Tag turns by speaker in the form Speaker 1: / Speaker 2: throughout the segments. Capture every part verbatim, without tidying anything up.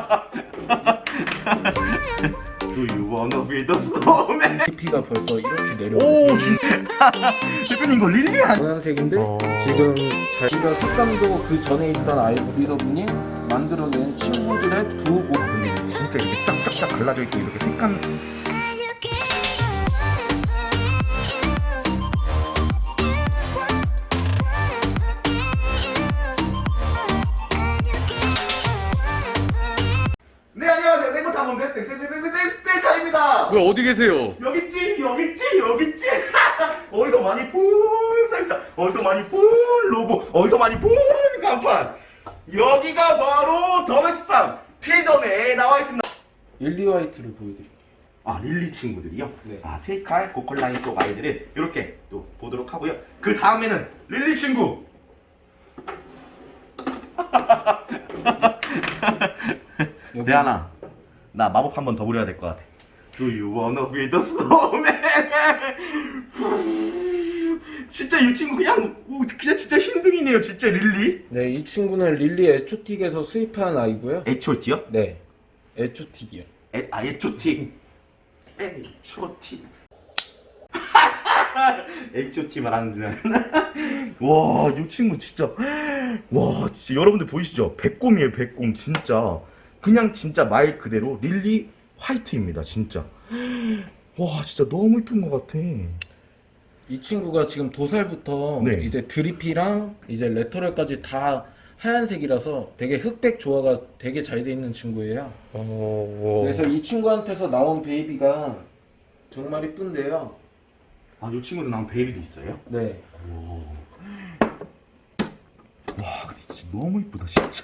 Speaker 1: Do you wanna be the snowman?
Speaker 2: 디피가 벌써 이렇게 내려오고
Speaker 1: 오 진짜 대표님 이거 릴리 아니?
Speaker 2: 노란색인데
Speaker 3: 어.
Speaker 2: 지금 자기가 색감도 그 전에 있던 아이브리더분이 만들어낸 친구들의 두고
Speaker 1: 진짜 이렇게 쫙쫙쫙 갈라져 있고 이렇게 색감 네 안녕하세요 생모탐험 데스 셀셀셀셀셀셀차입니다.
Speaker 3: 왜 어디 계세요?
Speaker 1: 여기 있지 여기 있지 여기 있지 어디서 많이 본 살짝 어디서 많이 본 로고 어디서 많이 본 간판 여기가 바로 더메스팜 필덤에 나와 있습니다.
Speaker 2: 릴리 화이트를 보여드릴게요.
Speaker 1: 아 릴리 친구들이요?
Speaker 2: 네.
Speaker 1: 아 트위칼 고컬라인 쪽 아이들을 이렇게 또 보도록 하고요. 그 다음에는 릴리 친구 대안아 나 마법 한 번 더 부려야 될 것 같아. Do you wanna be the snowman? 진짜 이 친구 그냥 오, 그냥 진짜 흰둥이네요 진짜 릴리.
Speaker 2: 네, 이 친구는 릴리 에초틱에서 수입한 아이고요.
Speaker 1: 에초티요?
Speaker 2: 네, 에초틱이요.
Speaker 1: 에, 아 에초티 에초티 에초티 말하는 줄 알았나? 와, 이 친구 진짜 와, 진짜 여러분들 보이시죠? 백곰이에요, 백곰 진짜. 그냥 진짜 말 그대로 릴리 화이트입니다, 진짜. 와, 진짜 너무 이쁜 것 같아.
Speaker 2: 이 친구가 지금 도살부터
Speaker 1: 네.
Speaker 2: 이제 드리피랑 이제 레터럴까지 다 하얀색이라서 되게 흑백 조화가 되게 잘 돼 있는 친구예요.
Speaker 3: 어...
Speaker 2: 그래서 이 친구한테서 나온 베이비가 정말 이쁜데요.
Speaker 1: 아, 이 친구도 나온 베이비도 있어요?
Speaker 2: 네.
Speaker 1: 와, 와, 근데 진짜 너무 이쁘다, 진짜.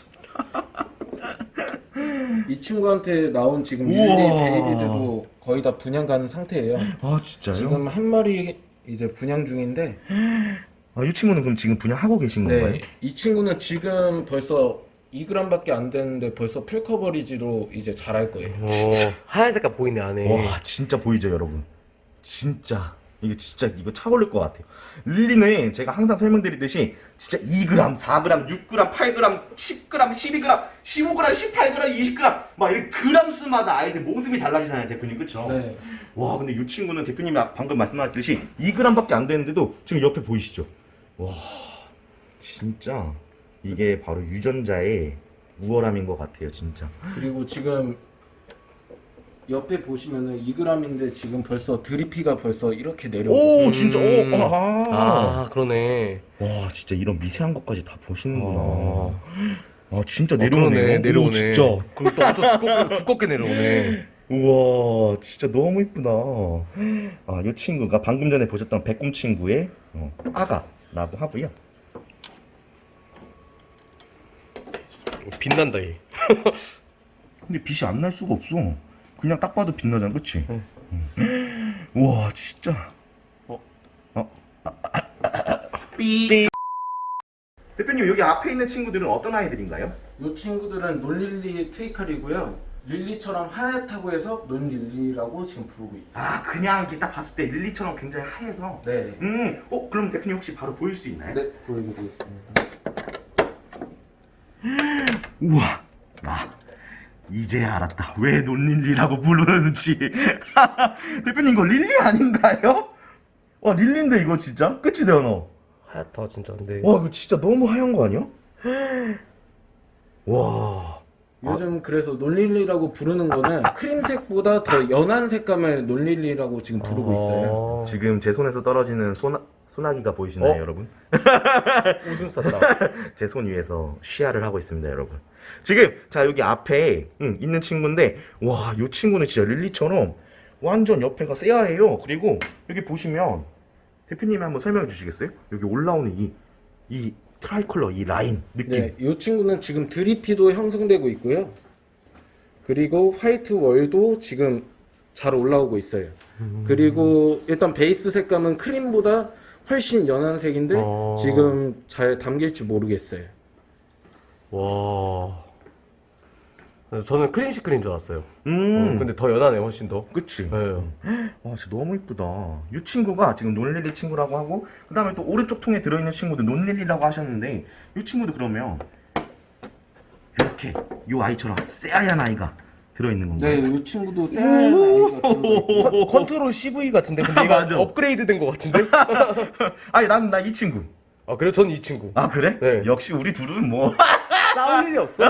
Speaker 2: 이 친구한테 나온 지금 릴리
Speaker 1: 우와.
Speaker 2: 베이비들도 거의 다 분양 가는 상태예요.
Speaker 1: 아, 진짜요?
Speaker 2: 지금 한 마리 이제 분양 중인데,
Speaker 1: 아, 이 친구는 그럼 지금 분양하고 계신 건가요?
Speaker 2: 네, 이 친구는 지금 벌써 이 그램밖에 안 되는데 벌써 풀 커버리지로 이제 자랄 거예요.
Speaker 3: 어... 하얀 색깔 보이네 안에.
Speaker 1: 와, 진짜 보이죠, 여러분? 진짜 이거 진짜 이거 차 올릴 것 같아요. 릴리는 제가 항상 설명드리듯이 진짜 이 그램, 사 그램, 육 그램, 팔 그램, 십 그램, 십이 그램, 십오 그램, 십팔 그램, 이십 그램 막 이렇게 그램 수마다 아이들 모습이 달라지잖아요, 대표님, 그쵸?
Speaker 2: 네.
Speaker 1: 와, 근데 이 친구는 대표님이 방금 말씀하셨듯이 이 그램밖에 안 되는데도 지금 옆에 보이시죠? 와, 진짜 이게 바로 유전자의 우월함인 것 같아요, 진짜.
Speaker 2: 그리고 지금 옆에 보시면은 이 그램인데 지금 벌써 드리피가 벌써 이렇게 내려오고
Speaker 1: 오, 진짜,
Speaker 3: 음.
Speaker 1: 오, 아,
Speaker 3: 아 그러네.
Speaker 1: 와, 진짜 이런 미세한 것까지 다 보시는구나.
Speaker 3: 어...
Speaker 1: 아, 진짜
Speaker 3: 어,
Speaker 1: 내려오네요.
Speaker 3: 그러네, 내려오네.
Speaker 1: 오, 진짜.
Speaker 3: 그리고 또 엄청 두껍게, 두껍게 내려오네.
Speaker 1: 우와, 진짜 너무 이쁘다. 아, 이 친구가 방금 전에 보셨던 백곰 친구의 어, 아가라고 하고요.
Speaker 3: 빛난다 얘.
Speaker 1: 근데 빛이 안 날 수가 없어. 그냥 딱 봐도 빛나잖아, 그치?
Speaker 3: 응.
Speaker 1: 응. 우와, 진짜.
Speaker 3: 어?
Speaker 1: 어? 아, 아, 아, 아, 삐. 대표님, 여기 앞에 있는 친구들은 어떤 아이들인가요?
Speaker 2: 이 친구들은 논릴리 트위칼이고요. 릴리처럼 하얗다고 해서 논릴리라고 지금 부르고 있어요.
Speaker 1: 아, 그냥 이렇게 딱 봤을 때 릴리처럼 굉장히 하얘서.
Speaker 2: 네.
Speaker 1: 음, 어, 그럼 대표님 혹시 바로 보일 수 있나요?
Speaker 2: 네, 보여드리겠습니다.
Speaker 1: 우와, 아, 이제야 알았다. 왜 논릴리라고 부르는지. 대표님, 이거 릴리 아닌가요? 와, 릴리인데 이거 진짜? 그치, 대현아?
Speaker 3: 하얗다 진짜. 근데
Speaker 1: 와, 이거 진짜 너무 하얀 거 아니야? 와.
Speaker 2: 요즘 그래서 논릴리라고 부르는 거는 크림색보다 더 연한 색감을 논릴리라고 지금 부르고 있어요.
Speaker 3: 어...
Speaker 1: 지금 제 손에서 떨어지는 소나, 소나기가 보이시나요,
Speaker 3: 어?
Speaker 1: 여러분?
Speaker 3: 오줌 쌌다.
Speaker 1: 제 손 위에서 시야를 하고 있습니다, 여러분. 지금 자 여기 앞에 응, 있는 친구인데 와, 이 친구는 진짜 릴리처럼 완전 옆에가 새하얘요. 그리고 여기 보시면 대표님이 한번 설명해 주시겠어요? 여기 올라오는 이 이 트라이컬러 이 라인 느낌.
Speaker 2: 네, 이 친구는 지금 드리피도 형성되고 있고요. 그리고 화이트 월도 지금 잘 올라오고 있어요.
Speaker 3: 음...
Speaker 2: 그리고 일단 베이스 색감은 크림보다 훨씬 연한 색인데
Speaker 3: 어...
Speaker 2: 지금 잘 담길지 모르겠어요.
Speaker 3: 와. 저는 크림 시크린 줄 알았어요.
Speaker 1: 음.
Speaker 3: 어, 근데 더 연하네 훨씬 더.
Speaker 1: 그치?
Speaker 3: 네.
Speaker 1: 와, 진짜 너무 이쁘다. 이 친구가 지금 논릴리 친구라고 하고, 그 다음에 또 오른쪽 통에 들어있는 친구도 논릴리라고 하셨는데, 이 친구도 그러면 이렇게 이렇게 요 아이처럼 새하얀 아이가 들어있는 건가요?
Speaker 2: 네, 이 친구도 새하얀 아이가 들어있고
Speaker 3: 컨- 컨트롤 씨브이 같은데 근데 이거
Speaker 1: 맞아.
Speaker 3: 업그레이드 된 것 같은데?
Speaker 1: 아니 난 나 이 친구.
Speaker 3: 아 그래요? 전 이 친구.
Speaker 1: 아 그래?
Speaker 3: 네.
Speaker 1: 역시 우리 둘은 뭐.
Speaker 3: 싸울 일이 없어.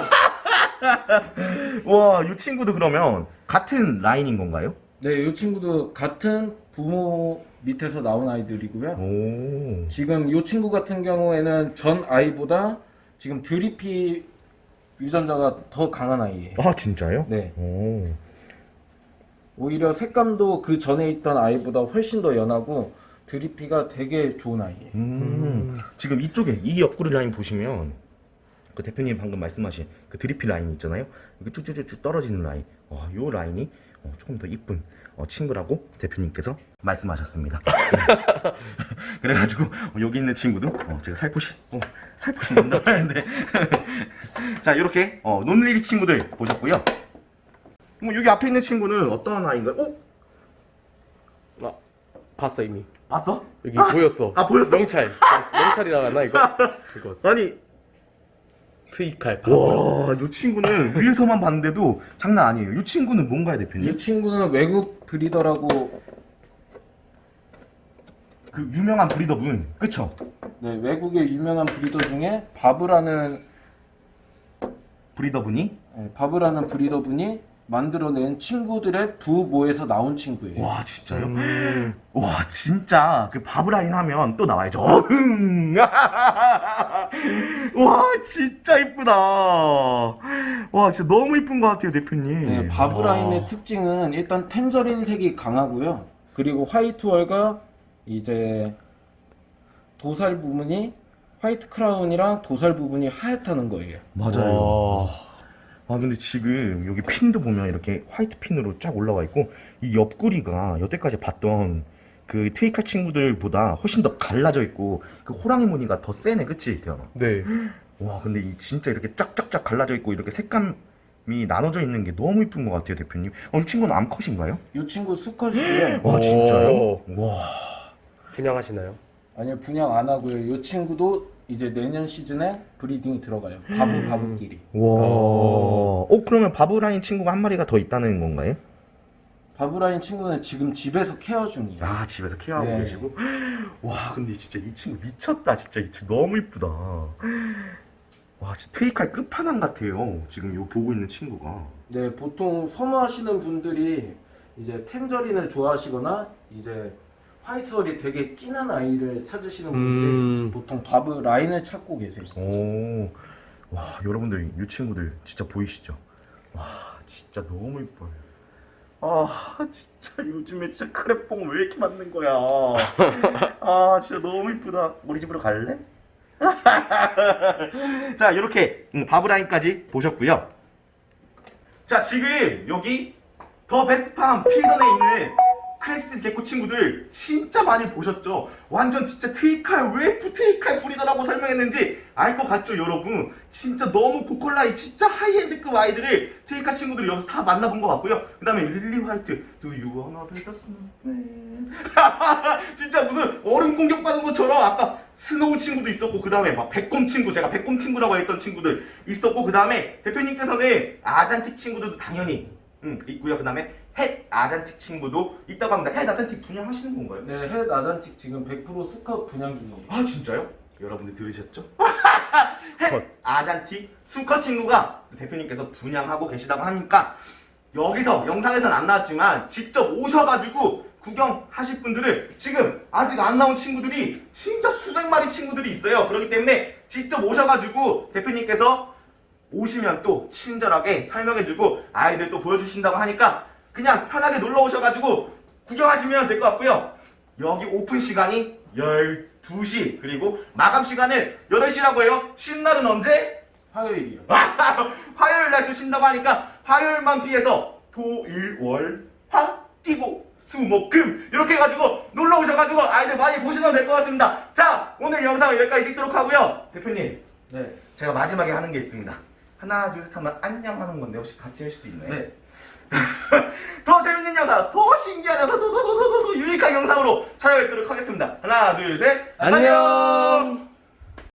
Speaker 1: 와, 이 친구도 그러면 같은 라인인 건가요?
Speaker 2: 네, 이 친구도 같은 부모 밑에서 나온 아이들이고요.
Speaker 1: 오.
Speaker 2: 지금 이 친구 같은 경우에는 전 아이보다 지금 드리피 유전자가 더 강한 아이예요.
Speaker 1: 아 진짜요?
Speaker 2: 네.
Speaker 1: 오.
Speaker 2: 오히려 색감도 그 전에 있던 아이보다 훨씬 더 연하고 드리피가 되게 좋은 아이예요.
Speaker 1: 음. 지금 이쪽에 이 옆구리 라인 보시면 그 대표님 방금 말씀하신 그 드리피 라인 있잖아요. 이거 쭉쭉쭉 떨어지는 라인. 어, 요 라인이 어, 조금 더 이쁜 어, 친구라고 대표님께서 말씀하셨습니다. 그래가지고 어, 여기 있는 친구도 어, 제가 살포시 어, 살포시 논다고 하는데 자 이렇게 어, 논리리 친구들 보셨고요. 뭐 여기 앞에 있는 친구는 어떤 아이인가요? 오?
Speaker 3: 아 봤어 이미.
Speaker 1: 봤어?
Speaker 3: 여기 보였어.
Speaker 1: 아, 보였어?
Speaker 3: 명찰. 명찰이라 하나 이거? 이거
Speaker 1: 아니
Speaker 3: 트위칼. 바보.
Speaker 1: 와, 이 친구는 위에서만 봤는데도 장난 아니에요. 이 친구는 뭔가요, 대표님?
Speaker 2: 이 친구는 외국 브리더라고
Speaker 1: 그 유명한 브리더분, 그쵸?
Speaker 2: 네, 외국의 유명한 브리더 중에 바브라는
Speaker 1: 브리더분이
Speaker 2: 네, 바브라는 브리더분이 만들어낸 친구들의 부모에서 나온 친구예요.
Speaker 1: 와, 진짜요?
Speaker 3: 음.
Speaker 1: 와, 진짜 그 바브라인 하면 또 나와야죠. 어흥! 와, 진짜 이쁘다. 와, 진짜 너무 이쁜 것 같아요, 대표님.
Speaker 2: 네, 바브라인의
Speaker 3: 와.
Speaker 2: 특징은 일단 텐저린 색이 강하고요. 그리고 화이트월과 이제 도살 부분이 화이트 크라운이랑 도살 부분이 하얗다는 거예요.
Speaker 1: 맞아요. 아 근데 지금 여기 핀도 보면 이렇게 화이트 핀으로 쫙 올라와 있고 이 옆구리가 여태까지 봤던 그 트위카 친구들보다 훨씬 더 갈라져 있고 그 호랑이 무늬가 더 세네, 그치 태연아?
Speaker 3: 네.
Speaker 1: 와 근데 이 진짜 이렇게 쫙쫙쫙 갈라져 있고 이렇게 색감이 나눠져 있는 게 너무 이쁜 것 같아요, 대표님. 어, 이 친구는 암컷인가요?
Speaker 2: 이 친구 수컷이고요.
Speaker 1: 와
Speaker 3: 오.
Speaker 1: 진짜요? 와.
Speaker 3: 분양하시나요?
Speaker 2: 아니요, 분양 안 하고요. 이 친구도 이제 내년 시즌에 브리딩이 들어가요. 바브 바브끼리.
Speaker 1: 와. 어 그러면 바브라인 친구가 한 마리가 더 있다는 건가요?
Speaker 2: 바브라인 친구는 지금 집에서 케어 중이에요.
Speaker 1: 아 집에서 케어하고
Speaker 2: 네.
Speaker 1: 계시고 와 근데 진짜 이 친구 미쳤다. 진짜 이 친구 너무 이쁘다. 와 진짜 트위칼 끝판왕 같아요 지금 요 보고 있는 친구가.
Speaker 2: 네, 보통 선호하시는 분들이 이제 텐저린을 좋아하시거나 이제 화이트월이 되게 진한 아이를 찾으시는 분들이
Speaker 3: 음.
Speaker 2: 보통 바브 라인을 찾고 계세요.
Speaker 1: 오, 와 여러분들 이 친구들 진짜 보이시죠? 와 진짜 너무 이뻐요. 아 진짜 요즘에 진짜 크랩봉 왜 이렇게 맞는 거야? 아 진짜 너무 이쁘다. 우리 집으로 갈래? 자 이렇게 음, 바브라인까지 보셨고요. 자 지금 여기 더 베스트팜 필던에 있는 크레스트 개코 친구들 진짜 많이 보셨죠? 완전 진짜 트위칼 왜 트위칼 브리더라고 설명했는지 알 것 같죠 여러분? 진짜 너무 고퀄라이 진짜 하이엔드급 아이들을 트위칼 친구들이 여기서 다 만나본 것 같고요. 그 다음에 릴리 화이트 Do you wanna be the snowman? 진짜 무슨 얼음 공격받은 것처럼 아까 스노우 친구도 있었고 그 다음에 막 백곰 친구 제가 백곰 친구라고 했던 친구들 있었고 그 다음에 대표님께서는 아잔틱 친구들도 당연히 음, 있고요. 그 다음에 햇 아잔틱 친구도 있다고 합니다. 햇 아잔틱 분양하시는 건가요?
Speaker 2: 네, 햇 아잔틱 지금 백 퍼센트 수컷 분양 중이에요.
Speaker 1: 아 진짜요? 여러분들 들으셨죠? 햇 아잔틱 수컷 친구가 대표님께서 분양하고 계시다고 하니까 여기서 영상에서는 안 나왔지만 직접 오셔가지고 구경하실 분들은 지금 아직 안 나온 친구들이 진짜 수백 마리 친구들이 있어요. 그렇기 때문에 직접 오셔가지고 대표님께서 오시면 또 친절하게 설명해주고 아이들 또 보여주신다고 하니까 그냥 편하게 놀러 오셔가지고 구경하시면 될 것 같고요. 여기 오픈 시간이 열두 시 그리고 마감 시간은 여덟 시라고 해요. 쉰 날은 언제?
Speaker 2: 화요일이요.
Speaker 1: 화요일 날 또 쉰다고 하니까 화요일만 피해서 토, 일, 월, 화, 띠고 수, 목, 금 이렇게 해가지고 놀러 오셔가지고 아이들 많이 보시면 될 것 같습니다. 자 오늘 영상을 여기까지 찍도록 하고요. 대표님
Speaker 2: 네.
Speaker 1: 제가 마지막에 하는 게 있습니다. 하나 둘 셋 하면 안녕 하는 건데 혹시 같이 할 수 있나요?
Speaker 2: 네.
Speaker 1: 더 재밌는 영상, 더 신기한 영상, 더 더 더 더 더 유익한 영상으로 찾아뵙도록 하겠습니다. 하나 둘 셋
Speaker 3: 안녕.